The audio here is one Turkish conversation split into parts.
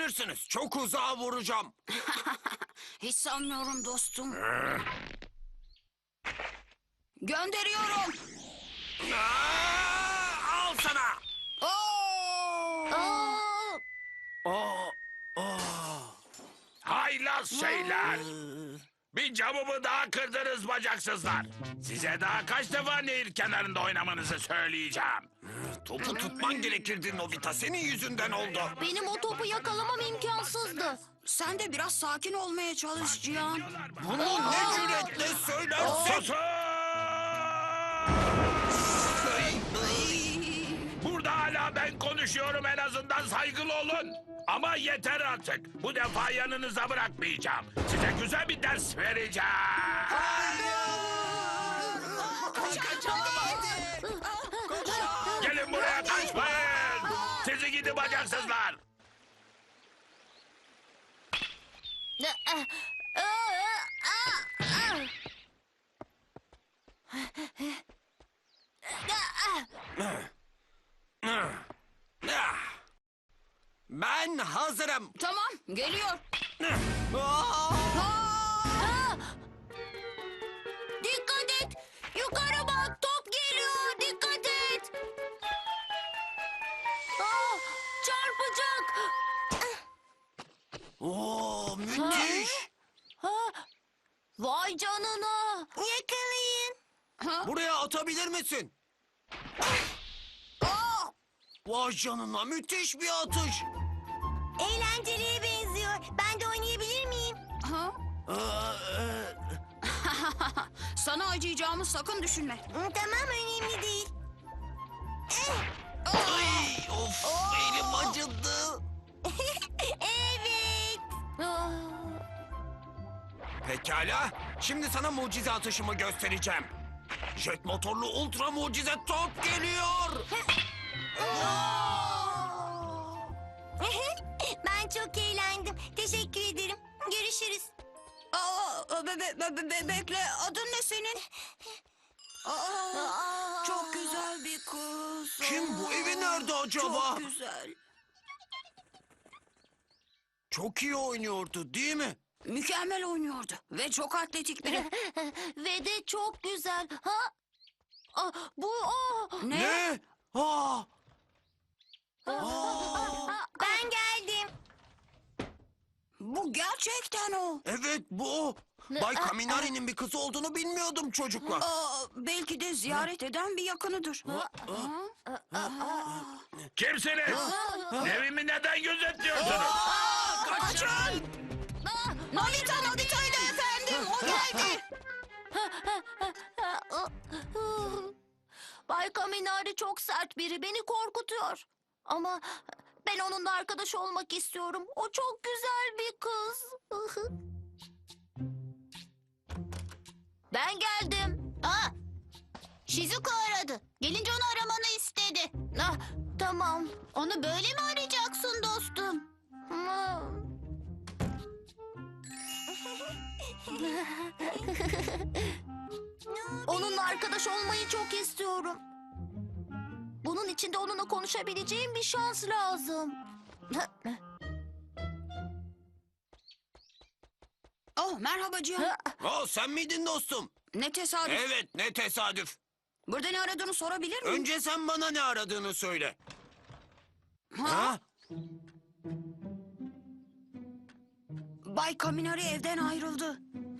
görürsünüz. Çok uzağa vuracağım. Hiç sanmıyorum dostum. Gönderiyorum. Al sana. Oo! Haylaz şeyler. Bir camımı daha kırdınız bacaksızlar. Size daha kaç defa nehir kenarında oynamanızı söyleyeceğim. Topu tutman gerekirdi Nobita. Senin yüzünden oldu. Benim o topu yakalamam imkansızdı. Sen de biraz sakin olmaya çalış Cihan. Bunu ne cüretle söylersin? Susun! Burada hala ben konuşuyorum, en azından saygılı olun. Ama yeter artık. Bu defa yanınıza bırakmayacağım. Size güzel bir ders vereceğim. Gelin buraya, kaçmayın. Sizi gidi bacaksızlar. Ben hazırım. Tamam, geliyor. Aa! Aa! Dikkat et! Yukarı bak, top geliyor. Dikkat et! Aa, çarpacak. Oo, müthiş. Vay canına. Yakalayın. Buraya atabilir misin? Vay canına, müthiş bir atış. Eğlenceliye benziyor. Ben de oynayabilir miyim? Ha? Ee, Sana acıyacağımı sakın düşünme. Tamam, önemli değil. Ay, of, elim acıdı. Evet. Pekala, şimdi sana mucize atışımı göstereceğim. Jet motorlu ultra mucize top geliyor. Ben çok eğlendim. Teşekkür ederim. Görüşürüz. Bekle, adın ne senin? Çok güzel bir kız. Kim bu? Evi nerede acaba? Çok güzel. Çok iyi oynuyordu, değil mi? Mükemmel oynuyordu ve çok atletik biri. Ve de çok güzel. Ha? Bu o. Ne? Aa, Ben geldim. Bu gerçekten o. evet bu o. Bay Kaminari'nin bir kızı olduğunu bilmiyordum çocuklar. Belki de ziyaret eden bir yakınıdır. Kimsiniz? Evimi neden gözetliyorsunuz? Kaçın! Nobita'ydı efendim, o geldi. Bay Kaminari çok sert biri. Beni korkutuyor. Ama ben onunla arkadaş olmak istiyorum. O çok güzel bir kız. Ben geldim. Shizuko aradı. Gelince onu aramanı istedi. Tamam. Onu böyle mi arayacaksın dostum? Onunla arkadaş olmayı çok istiyorum. Bunun için de onunla konuşabileceğim bir şans lazım. Oh, merhaba Cihan. Aa, sen miydin dostum? Ne tesadüf. Evet, ne tesadüf. Burada ne aradığını sorabilir miyim? Önce sen bana ne aradığını söyle. Ha? Bay Kaminari evden ayrıldı.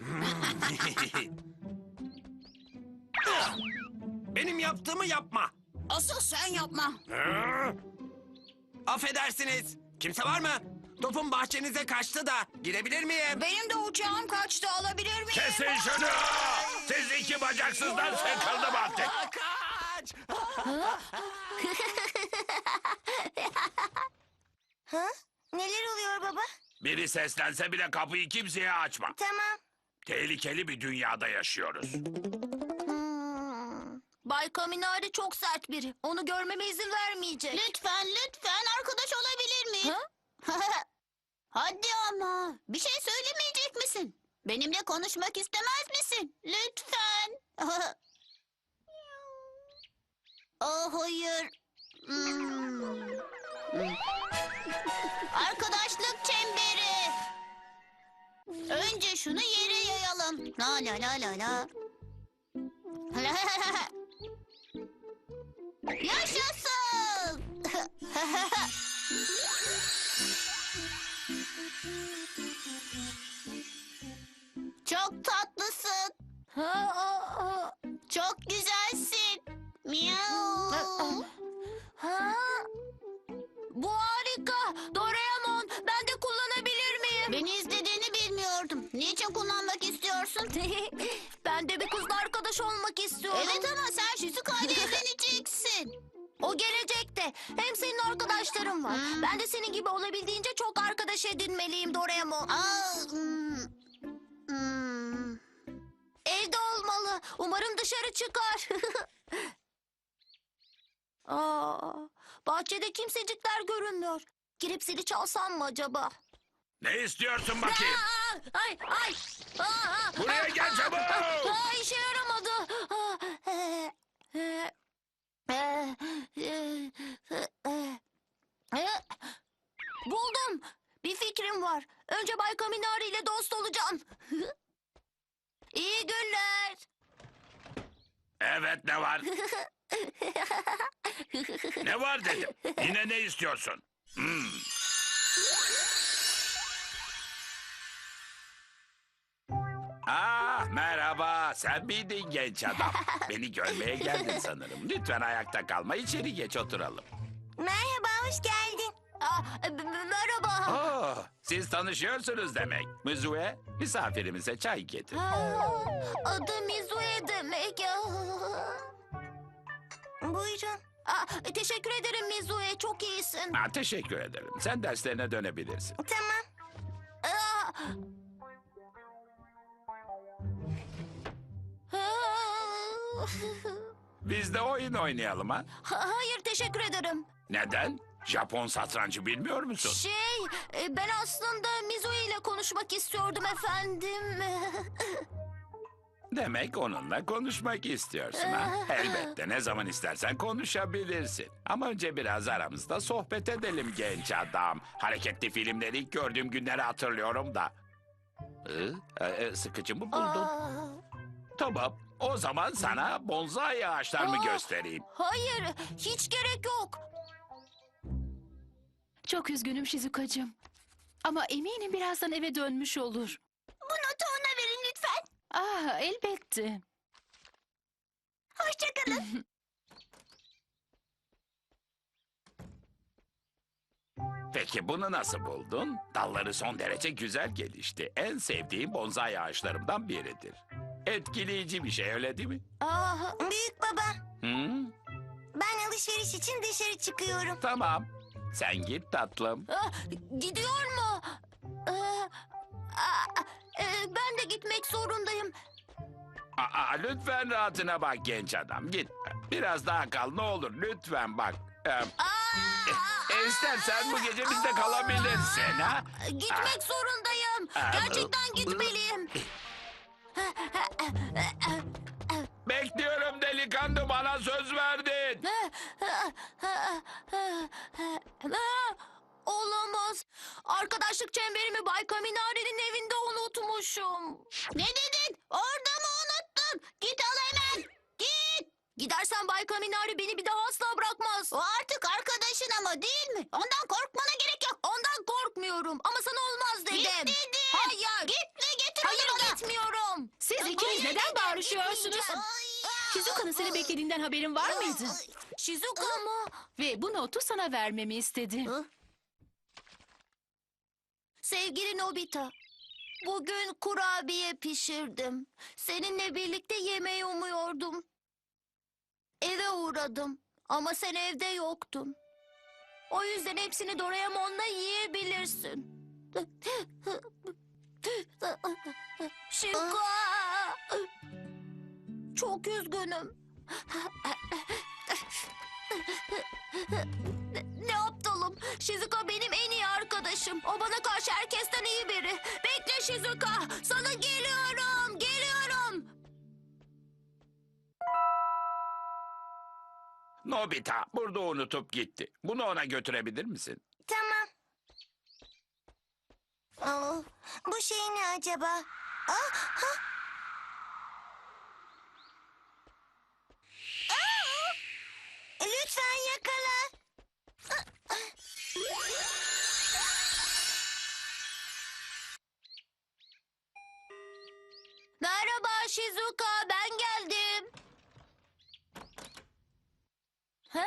Benim yaptığımı yapma. Asıl sen yapma. Affedersiniz. Kimse var mı? Topum bahçenize kaçtı da girebilir miyim? Benim de uçağım kaçtı, alabilir miyim? Kesin şunu! Siz iki bacaksızdan sıkıldım artık. Kaç! Neler oluyor baba? Biri seslense bile kapıyı kimseye açma. Tamam. Tehlikeli bir dünyada yaşıyoruz. Bay Kaminari çok sert biri. Onu görmeme izin vermeyecek. Lütfen arkadaş olabilir miyim? Hadi ama. Bir şey söylemeyecek misin? Benimle konuşmak istemez misin? Lütfen. Hayır. Arkadaşlık La la la la la. Yaşasın. Çok tatlısın. Çok güzelsin. Miau. Ha? Bu harika. Doraemon, ben de kullanabilir miyim? Beni izlediğini bilmiyordum. Niçin kullanmak istiyorsun? Ben de bir kızla arkadaş olmak istiyorum. Evet ama sen Shizuka ile evleneceksin. O gelecekte. Hem senin arkadaşların var. Ben de senin gibi olabildiğince çok arkadaş edinmeliyim Doraemon. Evde olmalı. Umarım dışarı çıkar. Bahçede kimsecikler görünmüyor. Girip zili çalsam mı acaba? Ne istiyorsun bakayım? Ay ay. Buraya gel çabuk. İşe yaramadı. Buldum. Bir fikrim var. Önce Bay Kaminari ile dost olacağım. İyi günler. Evet, ne var? Ne var dedim. Yine ne istiyorsun? Merhaba. Sen miydin genç adam? Beni görmeye geldin sanırım. Lütfen ayakta kalma. İçeri geç oturalım. Merhaba, hoş geldin. Merhaba. Siz tanışıyorsunuz demek. Muzue, misafirimize çay getir. Adı Mizue demek. Buyurun. Teşekkür ederim Mizue, çok iyisin. Teşekkür ederim. Sen derslerine dönebilirsin. Tamam. Biz de oyun oynayalım ha? Hayır, teşekkür ederim. Neden? Japon satrancı bilmiyor musun? Ben aslında Mizue ile konuşmak istiyordum efendim. Demek onunla konuşmak istiyorsun ha? Elbette, ne zaman istersen konuşabilirsin. Ama önce biraz aramızda sohbet edelim genç adam. Hareketli filmleri ilk gördüğüm günleri hatırlıyorum da. Sıkıcı mı buldun? Tamam, o zaman sana bonsai ağaçlarımı göstereyim. Hayır, hiç gerek yok. Çok üzgünüm Shizuka'cığım. Ama eminim birazdan eve dönmüş olur. Bu notu ona verin lütfen. Elbette. Hoşçakalın. Peki bunu nasıl buldun? Dalları son derece güzel gelişti. En sevdiğim bonsai ağaçlarımdan biridir. Etkileyici bir şey, öyle değil mi? Büyük baba, Hı? ben alışveriş için dışarı çıkıyorum. Tamam. Sen git tatlım. Gidiyor mu? Ben de gitmek zorundayım. Lütfen rahatına bak genç adam. Gitme. Biraz daha kal ne olur. Lütfen bak. İstersen bu gece bizde kalabilirsin. Ha? Gitmek zorundayım. Gerçekten gitmeliyim. Bekliyorum delikanlı, bana söz verdin. Olamaz. Arkadaşlık çemberimi Bay Kaminari'nin evinde unutmuşum. Ne dedin? Orada mı unuttun? Git al hemen. Git. Gidersen Bay Kaminari beni bir daha asla bırakmaz. O artık arkadaşın ama değil mi? Ondan korkmana gerek yok. Ondan korkmuyorum ama sana olmaz dedim. Git dedim. Hayır. Git ve getir Hayır, onu bana. gitmiyorum. Siz ikiniz neden bağırışıyorsunuz? Shizuka'nın seni beklediğinden haberin var mıydı? Shizuka mı? Ve bu notu sana vermemi istedi. Sevgili Nobita, bugün kurabiye pişirdim. Seninle birlikte yemeği umuyordum. Eve uğradım ama sen evde yoktun. O yüzden hepsini Doraemon'la yiyebilirsin. Shizuka! Çok üzgünüm. Ne aptalım. Shizuka benim en iyi arkadaşım. O bana karşı herkesten iyi biri. Bekle Shizuka. Sana geliyorum. Geliyorum. Nobita burada unutup gitti. Bunu ona götürebilir misin? Tamam. Bu şey ne acaba? ben geldim. Ha?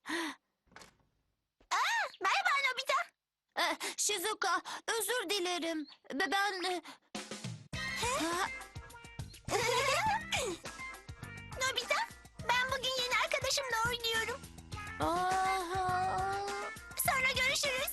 Merhaba Nobita. Shizuka, özür dilerim. Ben... Ha? Nobita, ben bugün yeni arkadaşımla oynuyorum. Sonra görüşürüz.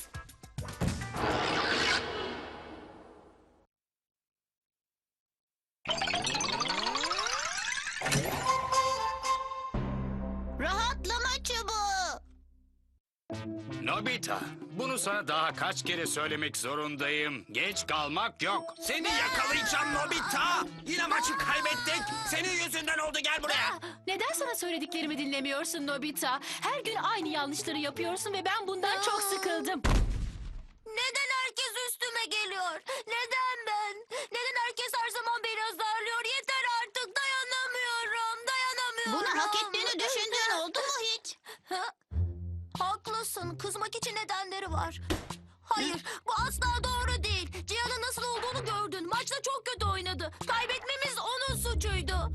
Rahatlama çubuğu. Nobita, bunu sana daha kaç kere söylemek zorundayım. Geç kalmak yok. Seni yakalayacağım Nobita. Yine maçı kaybettik. Senin yüzünden oldu, gel buraya. Neden sana söylediklerimi dinlemiyorsun Nobita? Her gün aynı yanlışları yapıyorsun ve ben bundan çok sıkıldım. Neden herkes üstüme geliyor? Neden ben? Neden herkes her zaman beni azarlıyor? Yeter artık, dayanamıyorum, dayanamıyorum. Bunu hak ettiğini düşündüğün oldu mu hiç? Ha? Haklısın, kızmak için nedenleri var. Hayır, bu asla doğru değil. Cihan'ın nasıl olduğunu gördün. Maçta çok kötü oynadı. Kaybetmemiz onun suçuydu.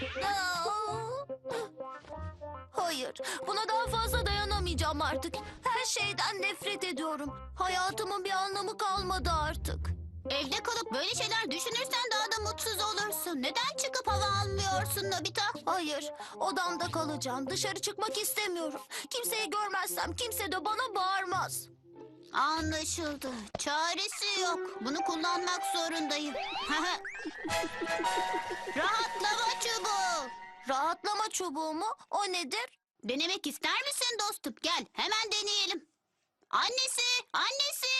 Hayır, buna daha fazla dayanamayacağım artık. Her şeyden nefret ediyorum. Hayatımın bir anlamı kalmadı artık. Evde kalıp böyle şeyler düşünürsen daha da mutsuz olursun. Neden çıkıp hava almıyorsun Nobita? Hayır, odamda kalacağım. Dışarı çıkmak istemiyorum. Kimseyi görmezsem kimse de bana bağırmaz. Anlaşıldı. Çaresi yok. Bunu kullanmak zorundayım. Rahatlama çubuğu. Rahatlama çubuğu mu? O nedir? Denemek ister misin dostum? Gel hemen deneyelim. Annesi, annesi.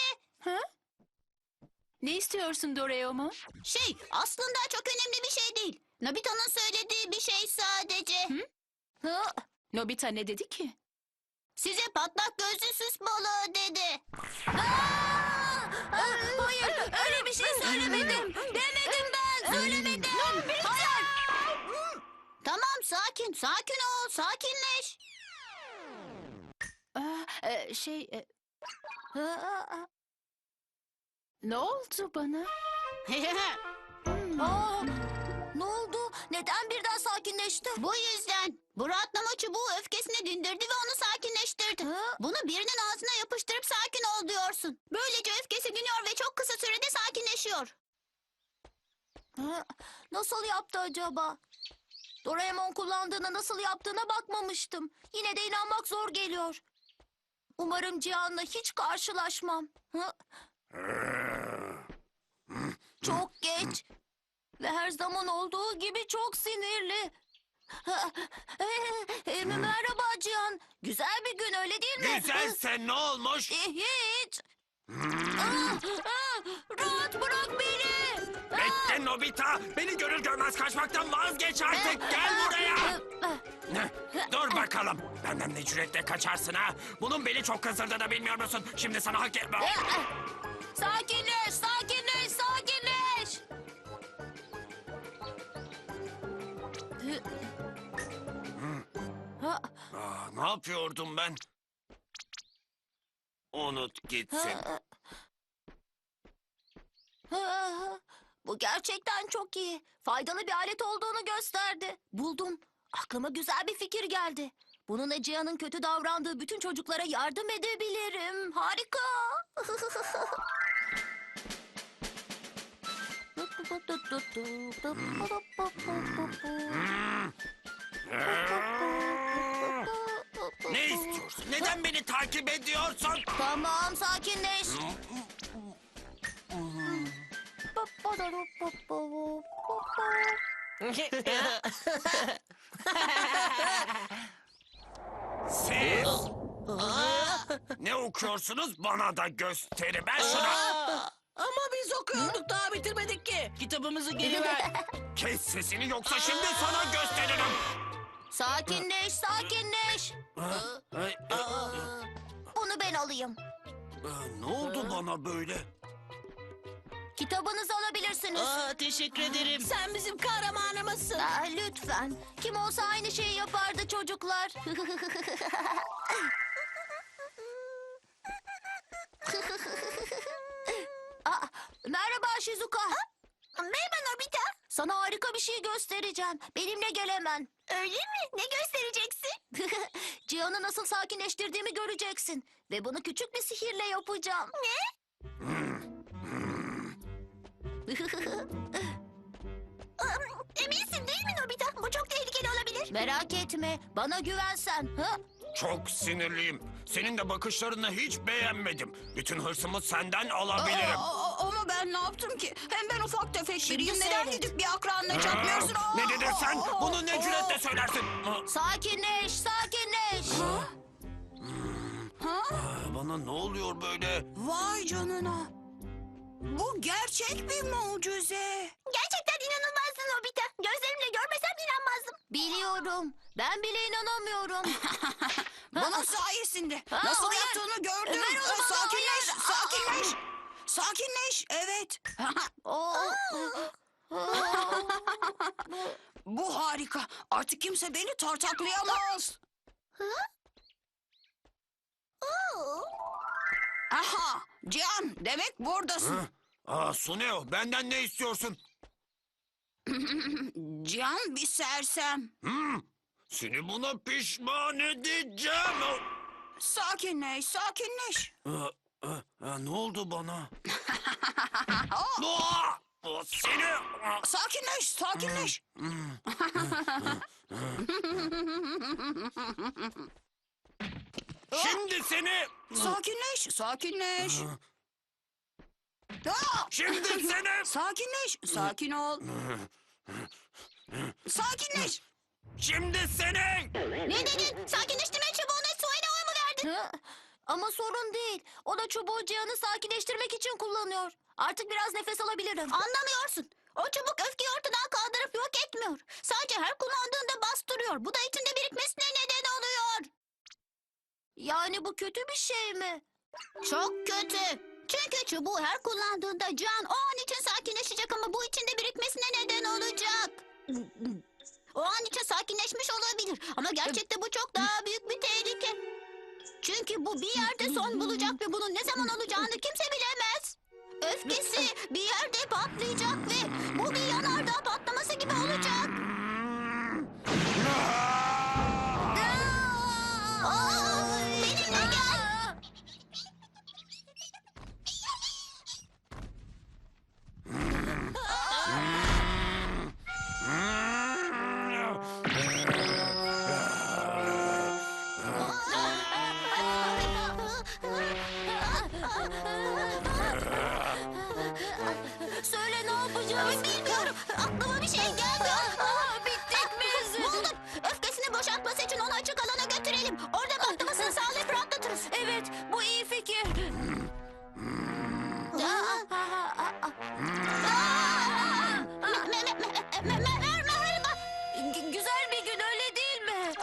Ne istiyorsun Doraemon? Aslında çok önemli bir şey değil. Nobita'nın söylediği bir şey sadece. Hı? Nobita ne dedi ki? Size patlak gözlü süs balığı dedi. Hayır, öyle bir şey söylemedim. Demedim ben, söylemedim. Hayır. Tamam sakin, sakin ol, sakinleş. Ne oldu bana? Aa, ne oldu? Neden birden sakinleşti? Bu yüzden bu rahatlama çubuğu öfkesini dindirdi ve onu sakinleştirdi. Hı? Bunu birinin ağzına yapıştırıp sakin ol diyorsun. Böylece öfkesi diniyor ve çok kısa sürede sakinleşiyor. Hı? Nasıl yaptı acaba? Doraemon kullandığına nasıl yaptığına bakmamıştım. Yine de inanmak zor geliyor. Umarım Cihan'la hiç karşılaşmam. Hı? Çok geç. Ve her zaman olduğu gibi çok sinirli. Merhaba Cihan. Güzel bir gün öyle değil mi? Güzelse ne olmuş? Hiç. Rahat bırak beni. Bekle Nobita. Beni görür görmez kaçmaktan vazgeç artık. Gel buraya. Dur bakalım. Benden ne cüretle kaçarsın ha? Bunun beni çok kızdırdığını bilmiyor musun? Şimdi sana hak etme. Sakinleş, sakinleş, sakinleş. Ne yapıyordum ben? Unut gitsin. Bu gerçekten çok iyi. Faydalı bir alet olduğunu gösterdi. Buldum. Aklıma güzel bir fikir geldi. Bununla Cihan'ın kötü davrandığı bütün çocuklara yardım edebilirim. Harika. Ne istiyorsun? Neden beni takip ediyorsun? Tamam, sakinleş. Siz ne okuyorsunuz bana da gösterin. Ben şuna Ama biz okuyorduk daha bitirmedik ki. Kitabımızı geri ver. kes sesini yoksa şimdi sana gösteririm. Sakinleş, sakinleş. Bunu ben alayım. Ne oldu bana böyle? Kitabınızı alabilirsiniz. Teşekkür ederim. Sen bizim kahramanımızsın. Lütfen. Kim olsa aynı şeyi yapardı çocuklar. Merhaba Shizuka. Merhaba Nobita. Sana harika bir şey göstereceğim. Benimle gel hemen. Öyle mi? Ne göstereceksin? Cihan'ı nasıl sakinleştirdiğimi göreceksin. Ve bunu küçük bir sihirle yapacağım. Eminsin değil mi Nobita? Bu çok tehlikeli olabilir. Merak etme. Bana güvensen. Ha? Çok sinirliyim. Senin de bakışlarını hiç beğenmedim. Bütün hırsımı senden alabilirim. Ama ben ne yaptım ki? Hem ben ufak tefek Şimdi biriyim. Neden seyret. gidip bir akranla çakmıyorsun? Ne dedin sen? Bunu ne cüretle söylersin? Sakinleş, sakinleş. Bana ne oluyor böyle? Vay canına. Bu gerçek bir mucize. Gerçekten inanılmazsın Nobita. Gözlerimle görmesem inanmazdım. Biliyorum. Ben bile inanamıyorum. Bunun sayesinde. Ha, Nasıl hayır. yaptığını gördüm. Ver onu bana, Sakinleş, hayır. sakinleş. Sakinleş, evet. Bu harika. Artık kimse beni tartaklayamaz. Aha, Cihan, demek buradasın. Suneo, benden ne istiyorsun? Cihan bir sersem. Seni buna pişman edeceğim. Sakinleş, sakinleş. Ne oldu bana? Aa! Seni... Sakinleş, sakinleş. Şimdi seni... Sakinleş, sakinleş. Aa! Şimdi seni... Sakinleş, sakin ol. Sakinleş. Şimdi seni... Ne dedin? Sakinleştirme çubuğunu Sueno'ya mı verdin? Ha? Ama sorun değil. O da çubuğu Cihan'ı sakinleştirmek için kullanıyor. Artık biraz nefes alabilirim. Anlamıyorsun. O çubuk öfkeyi ortadan kaldırıp yok etmiyor. Sadece her kullandığında bastırıyor. Bu da içinde birikmesine neden oluyor. Yani bu kötü bir şey mi? Çok kötü. Çünkü çubuğu her kullandığında Can o an için sakinleşecek ama bu içinde birikmesine neden olacak. O an için sakinleşmiş olabilir ama gerçekte bu çok daha büyük bir tehlike. Çünkü bu bir yerde son bulacak ve bunun ne zaman olacağını kimse bilemez. Öfkesi bir yerde patlayacak ve bu bir yanardağ patlaması gibi olacak. Benimle gel. Söyle ne yapacağız? Bilmiyorum. Aklıma bir şey geldi. Bittik biz. Buldum. Öfkesini boşaltması için onu açık alana götürelim. Orada patlamasını sağlayıp rahatlatırız. Evet, bu iyi fikir. Merhaba. Güzel bir gün öyle değil mi?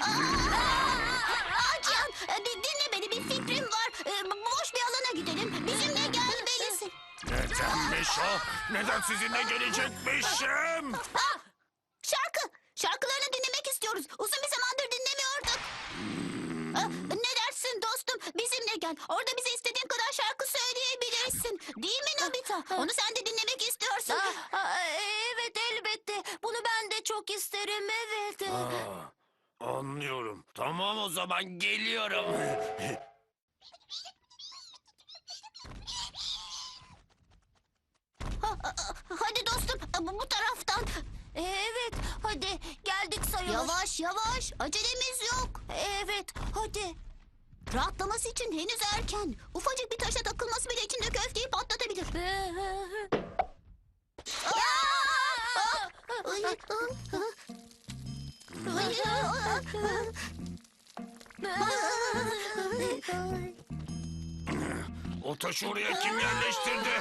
Cihan, dinle beni, bir fikrim var. Boş bir alana gidelim. Bizimle gelmelisin. Nedenmiş o? Neden sizinle gelecekmişim? Şarkılarını dinlemek istiyoruz. Uzun bir zamandır dinlemiyorduk. Ne dersin dostum? Bizimle gel. Orada bize istediğin kadar şarkı söyleyebilirsin. Değil mi Nobita? Onu sen de dinlemek istiyorsun. Evet, elbette. Bunu ben de çok isterim, evet. Anlıyorum. Tamam o zaman geliyorum. Hadi dostum, bu taraftan. Evet, hadi geldik sayılır. Yavaş yavaş, acelemiz yok. Evet, hadi. Rahatlaması için henüz erken. Ufacık bir taşa takılması bile içindeki öfkeyi patlatabilir. O taşı oraya kim yerleştirdi?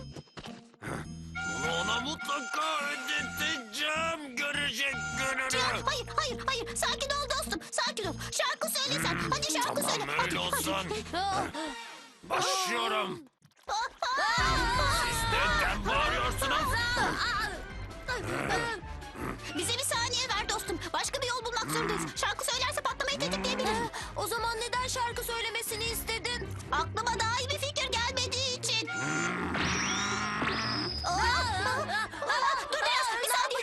Bunu ona mutlaka ödeteceğim. Görecek gününü. Hayır. Sakin ol dostum, sakin ol. Şarkı söyle sen. Hadi şarkı söyle. Tamam Hadi, öyle olsun. hadi. Başlıyorum. Siz neden bağırıyorsunuz? Bize bir saniye ver dostum. Başka bir yol bulmak zorundayız. Şarkı söylerse patlamayı tetikleyebilir. O zaman neden şarkı söylemesini istedin? Aklıma daha iyi bir fikir gelmediği için. Dur biraz, bir saniye.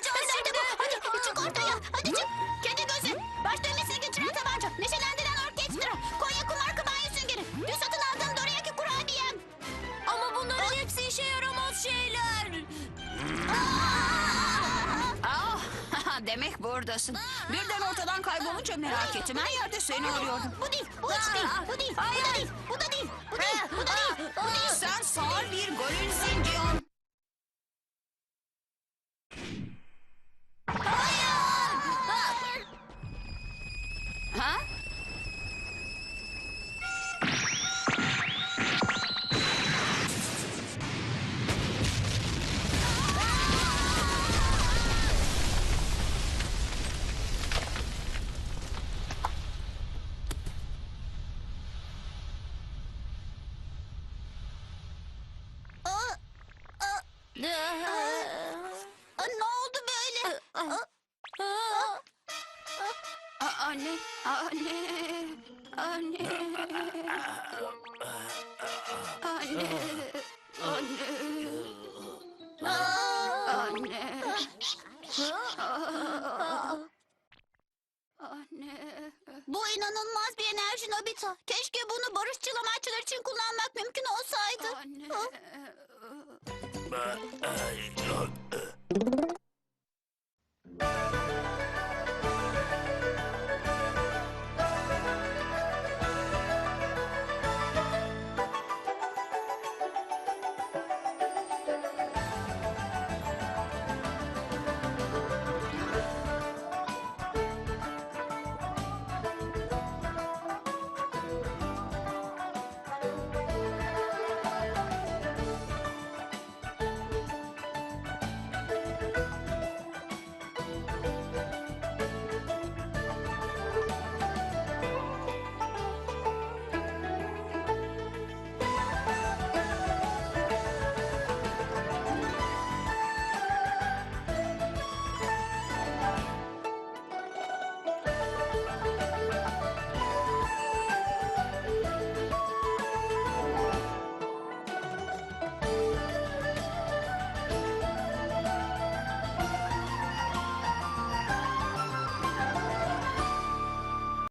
Ah, demek buradasın. Birden ortadan kaybolunca merak ettim. Her yerde seni arıyordum. Bu değil, bu hiç değil, bu değil, bu da değil, bu da değil, bu değil, bu da değil, bu değil. Sen sağır bir gorilsin Cihan. Hayır! Ha? Ne oldu böyle? Anne, anne, anne, anne, anne, anne. Bu inanılmaz bir enerji Nobita. Keşke bunu barışçıl amaçlar için kullanmak mümkün olsaydı. Anne.